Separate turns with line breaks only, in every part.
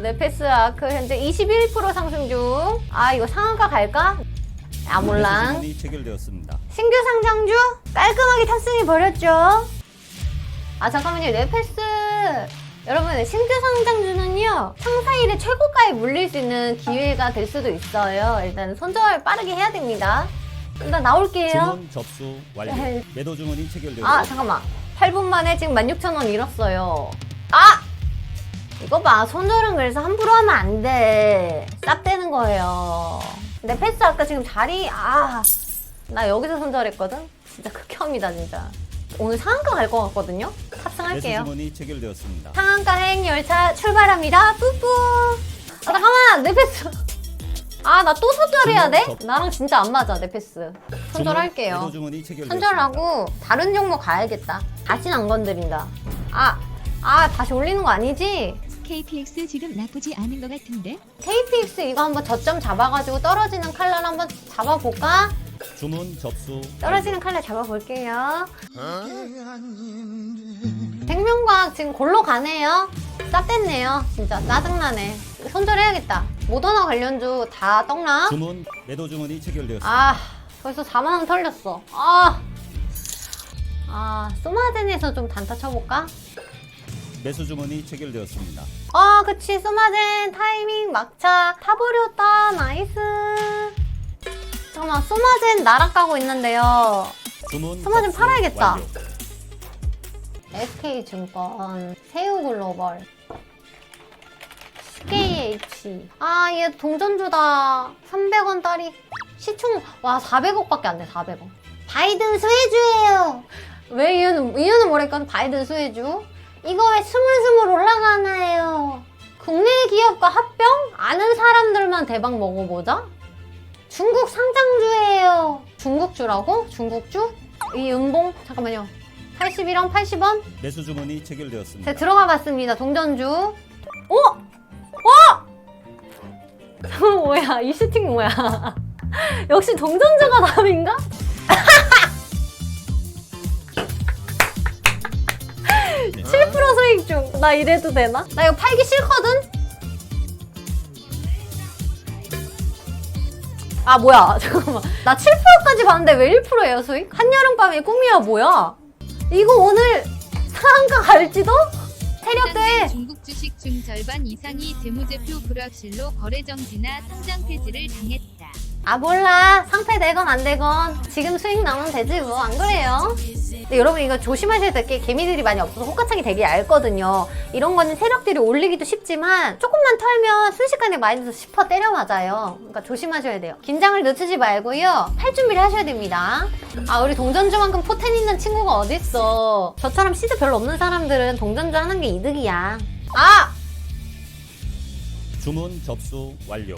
네페스 아크 현재 21% 상승 중. 아, 이거 상한가 갈까? 아, 몰라.
주문이 체결되었습니다.
신규 상장주 깔끔하게 탑승해 버렸죠. 아, 잠깐만요. 네페스 여러분, 신규 상장주는요 상사일에 최고가에 물릴 수 있는 기회가 될 수도 있어요. 일단 손절 빠르게 해야 됩니다. 일단 나올게요.
주문 접수 완료.
네.
매도 주문이 체결되었습니다.
아, 잠깐만. 8분 만에 지금 16,000원 잃었어요. 아! 이거 봐. 손절은 그래서 함부로 하면 안 돼. 쌉 되는 거예요. 근데 패스 아까 지금 자리, 나 여기서 손절했거든? 진짜 극혐이다, 진짜. 오늘 상한가 갈 것 같거든요?
매수
탑승할게요.
주문이 체결되었습니다.
상한가 행열차 출발합니다. 뿌뿌. 아, 잠깐만. 내 패스. 아, 나 또 손절해야 돼? 나랑 진짜 안 맞아, 내 패스. 손절할게요.
매도 주문이 체결되었습니다.
손절하고 다른 종목 가야겠다. 다시는 안 건드린다. 다시 올리는 거 아니지?
KPX 지금 나쁘지 않은 것 같은데?
KPX 이거 한번 저점 잡아가지고 떨어지는 칼날 한번 잡아볼까?
주문 접수
떨어지는 칼날 잡아볼게요. 백명과학 지금 골로 가네요. 쌉됐네요. 진짜 짜증나네. 손절해야겠다. 모더나 관련주 다 떡나?
주문 매도 주문이 체결되었습니다.
벌써 4만원 털렸어. 소마젠에서 좀 단타 쳐볼까?
매수 주문이 체결되었습니다.
그치. 소마젠 타이밍 막차 타버렸다. 나이스. 잠깐만, 소마젠 나락 가고 있는데요.
주문
소마젠
접수
팔아야겠다.
완료.
SK증권, 세우글로벌, SKH. 얘 동전주다. 300원 딸이. 시총, 400억밖에 안 돼, 400억. 바이든 수혜주예요. 왜 이유는 뭐랄까? 바이든 수혜주. 이거 왜 스물스물 올라가나요? 국내 기업과 합병? 아는 사람들만 대박 먹어보자? 중국 상장주예요. 중국주라고? 중국주? 이 은봉? 잠깐만요. 81원, 80원?
매수 주문이 체결되었습니다.
제가 들어가 봤습니다. 동전주. 뭐야? 이 슈팅 뭐야? 역시 동전주가 답인가?
네.
7% 수익 중. 나 이래도 되나? 나 이거 팔기 싫거든? 뭐야. 잠깐만. 나 7%까지 봤는데 왜 1%예요, 수익? 한여름밤의 꿈이야, 뭐야? 이거 오늘 상한가 갈지도? 세력돼.
중국 주식 중 절반 이상이 재무제표 불확실로 거래 정지나 상장 폐지를 당했다.
몰라. 상패 되건 안 되건 지금 수익 나면 되지 뭐. 안 그래요? 근데 여러분 이거 조심하셔야 될 게 개미들이 많이 없어서 호가창이 되게 얇거든요. 이런 거는 세력들이 올리기도 쉽지만 조금만 털면 순식간에 마이너스 10% 때려 맞아요. 그러니까 조심하셔야 돼요. 긴장을 늦추지 말고요. 팔 준비를 하셔야 됩니다. 우리 동전주만큼 포텐 있는 친구가 어딨어. 저처럼 시드 별로 없는 사람들은 동전주 하는 게 이득이야.
주문 접수 완료.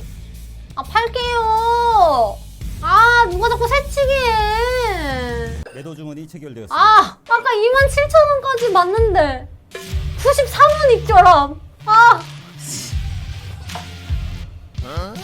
팔게요. 누가 자꾸 새치기 해.
매도 주문이 체결되었습니다.
아까 27,000원까지 맞는데 93원 입결함. 3?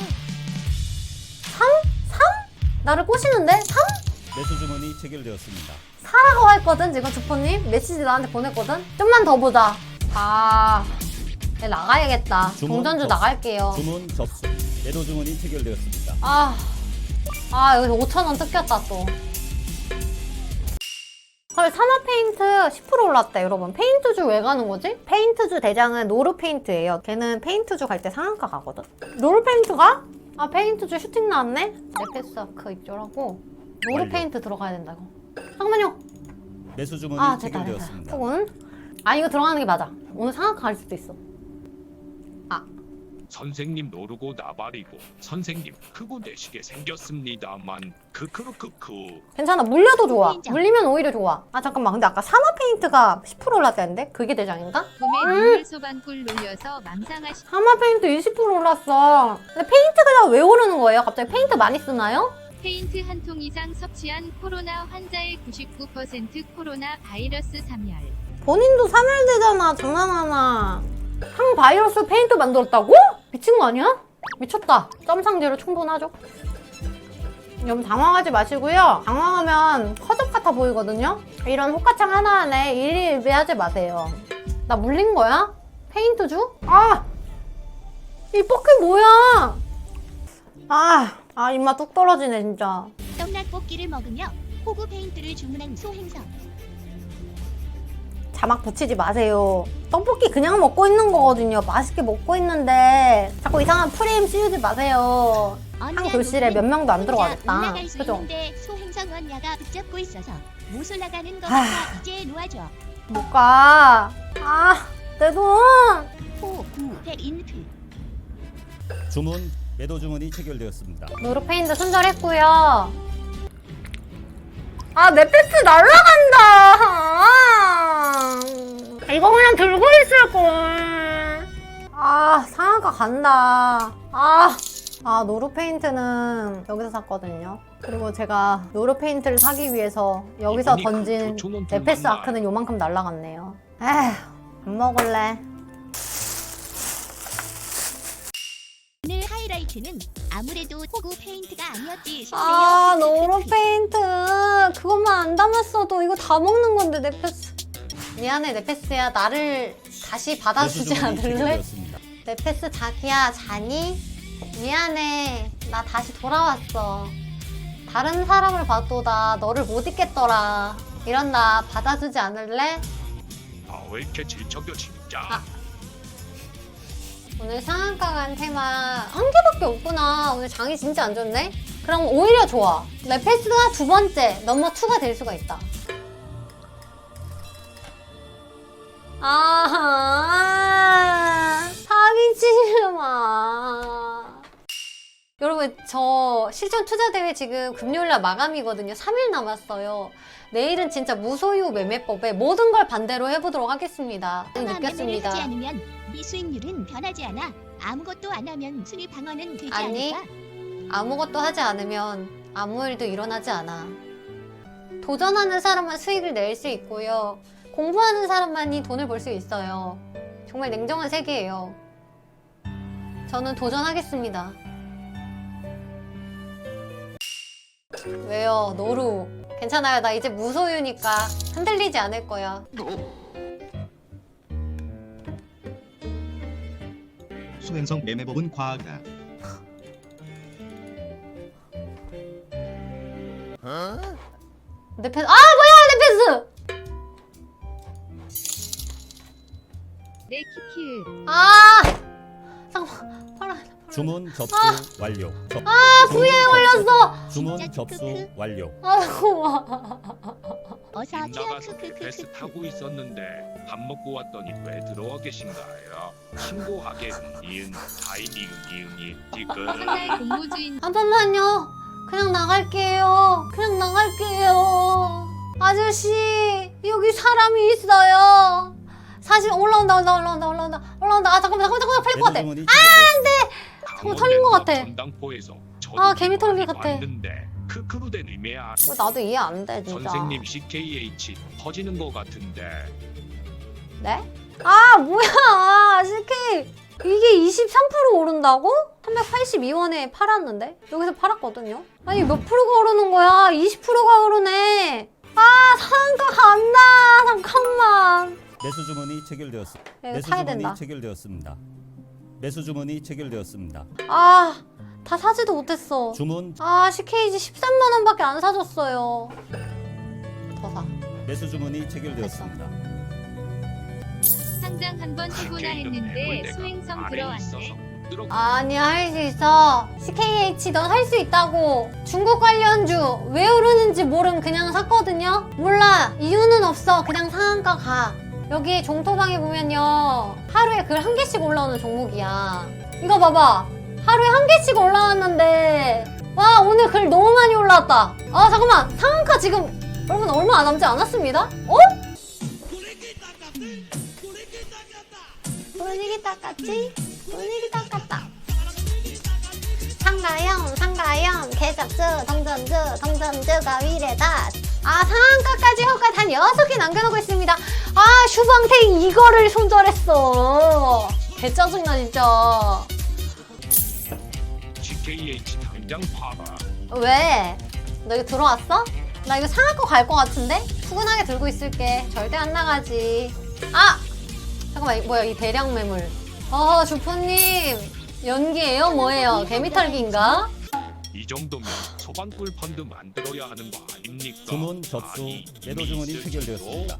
나를 꼬시는데? 3?
매수 주문이 체결되었습니다.
사라고 했거든. 지금 주포님 메시지 나한테 보냈거든. 좀만 더 보자. 네, 나가야겠다.
주문
동전주
접수.
나갈게요.
주문 접수 매도 주문이 체결되었습니다.
여기서 5,000원 뜯겼다 또. 헐, 사마페인트 10% 올랐다 여러분. 페인트주 왜 가는 거지? 페인트주 대장은 노르페인트예요. 걔는 페인트주 갈 때 상한가 가거든. 노르페인트가? 페인트주 슈팅 나왔네? 네페스아크 입절하고 노르페인트 들어가야 된다 이거. 잠깐만요.
매수 주문이
됐다.
체결되었습니다.
혹은 이거 들어가는 게 맞아. 오늘 상한가 갈 수도 있어.
선생님 노르고 나발이고 선생님 크고 내시게 생겼습니다만 크크르크크.
괜찮아. 물려도 좋아.
인정.
물리면 오히려 좋아. 잠깐만. 근데 아까 사마페인트가 10% 올랐다는데? 그게 대장인가?
봄에 눈물 소방꿀 놀려서 망상하시.
사마페인트 20% 올랐어. 근데 페인트가 왜 오르는 거예요? 갑자기 페인트 많이 쓰나요?
페인트 한 통 이상 섭취한 코로나 환자의 99% 코로나 바이러스 사멸.
본인도 사멸되잖아. 장난하나. 항바이러스 페인트 만들었다고? 미친 거 아니야? 미쳤다. 점상제로 충분하죠? 여러분 당황하지 마시고요. 당황하면 허접 같아 보이거든요? 이런 호가창 하나하나에 일일비하지 마세요. 나 물린 거야? 페인트주? 이 뻑이 뭐야? 입맛 뚝 떨어지네 진짜.
떡락볶이를 먹으며 호구 페인트를 주문한 소행성.
자막 붙이지 마세요. 떡볶이 그냥 먹고 있는 거거든요. 맛있게 먹고 있는데 자꾸 이상한 프레임 씌우지 마세요. 한 교실에 몇 명도 안 들어가겠다.
올라갈 수
그죠?
있는데 소행성 언니가 붙잡고 있어서 못 올라가는 거니까 이제 놓아줘.
못 가. 내 돈.
호구 페인트.
주문 매도 주문이 체결되었습니다.
노르페인도 손절했고요. 내 패스 날라간다. 이거 그냥 들고 있을걸. 상한가 간다. 노르페인트는 여기서 샀거든요. 그리고 제가 노르페인트를 사기 위해서 여기서
이분이
던진
그 조촌원
네페스
만나요.
아크는 요만큼 날라갔네요. 안 먹을래.
오늘 하이라이트는 아무래도 호구 페인트가 아니었지 싶네요.
노르페인트 그것만 안 담았어도 이거 다 먹는 건데 네페스. 미안해 네페스야, 나를 다시
매수
받아주지
주문이
않을래?
체결되었습니다.
네페스 자기야 자니? 미안해, 나 다시 돌아왔어. 다른 사람을 봐도 나 너를 못 잊겠더라. 이런 나 받아주지 않을래?
왜 이렇게 질척여 진짜.
오늘 상한가 간 테마 한 개밖에 없구나. 오늘 장이 진짜 안 좋네? 그럼 오히려 좋아. 네페스가 두 번째 넘버 2가 될 수가 있다. 사기치지 마. 여러분, 저 실전 투자대회 지금 금요일날 마감이거든요. 3일 남았어요. 내일은 진짜 무소유 매매법에 모든 걸 반대로 해보도록 하겠습니다.
매매를
느꼈습니다.
하지 않으면 이 수익률은 변하지 않아. 아무것도 안 하면 수익 방어는 되지
아니,
않을까?
아무것도 하지 않으면 아무 일도 일어나지 않아. 도전하는 사람만 수익을 낼 수 있고요. 공부하는 사람만이 돈을 벌 수 있어요. 정말 냉정한 세계예요. 저는 도전하겠습니다. 왜요? 노루. 괜찮아요. 나 이제 무소유니까 흔들리지 않을 거야.
소행성 매매법은 과학이다.
네페스. 뭐야 네페스!
네 키키.
잠깐만. 팔아.
주문 접수 완료.
부에 걸렸어.
주문
진짜
접수
크크.
완료.
어서
집 나가서
큐
베스
크크크크.
타고 있었는데 밥 먹고 왔더니 왜 들어와 계신가요? 신고하게 니은 다이 니은이 지금
첫날 공모주인
한 번만요. 그냥 나갈게요. 그냥 나갈게요. 아저씨, 여기 사람이 있어요. 사실 올라온다. 잠깐만 팔릴 것 같아.
주문이 체결되었습니다.
잠깐 털린 것 같아.
전당포에서
개미 털린 것 같아.
왔는데 크크루된 의미야.
나도 이해 안 돼, 진짜.
선생님 CKH 퍼지는 것 같은데.
네? 뭐야, CK. 이게 23% 오른다고? 382원에 팔았는데? 여기서 팔았거든요? 아니, 몇 프로가 오르는 거야? 20%가 오르네. 상한가 간다. 잠깐만.
매수 주문이 체결되었습니다.
이거
매수
사야
주문이
된다.
체결되었습니다. 매수 주문이 체결되었습니다.
다 사지도 못했어.
주문
CKG 13만원밖에 안 사줬어요. 더 사.
매수 주문이 체결되었습니다.
상장 한번 해보나 했는데 수행성 들어왔네.
아니야, 할 수 있어. CKH 너 살 수 있다고. 중국 관련주 왜 오르는지 모름 그냥 샀거든요. 몰라, 이유는 없어. 그냥 상한가 가. 여기 종토방에 보면요, 하루에 글 한 개씩 올라오는 종목이야. 이거 봐봐, 하루에 한 개씩 올라왔는데, 와, 오늘 글 너무 많이 올라왔다. 잠깐만, 상한가 지금 여러분 얼마 안 남지 않았습니다? 분위기 닦았지? 분위기 닦았다. 상가형, 개잡수, 동전주가 위례다. 상한가까지 허가 단 6개 남겨놓고 있습니다. 슈방탱 이거를 손절했어. 개 짜증나, 진짜.
CKH 당장 팔아.
왜? 너 이거 들어왔어? 나 이거 상한가 갈 것 같은데? 푸근하게 들고 있을게. 절대 안 나가지. 잠깐만, 뭐야, 이 대량 매물. 주포님. 연기예요? 뭐예요? 개미털기인가?
이 정도면 소방꿀 펀드 만들어야 하는 거 아닙니까?
주문 접수,
아니,
매도
이미
주문이
있을
체결되었습니다.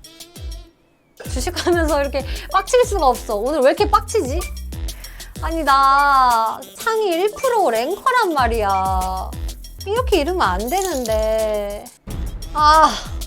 주식하면서 이렇게 빡칠 수가 없어. 오늘 왜 이렇게 빡치지? 아니 나 상위 1% 랭커란 말이야. 이렇게 이러면 안 되는데. 아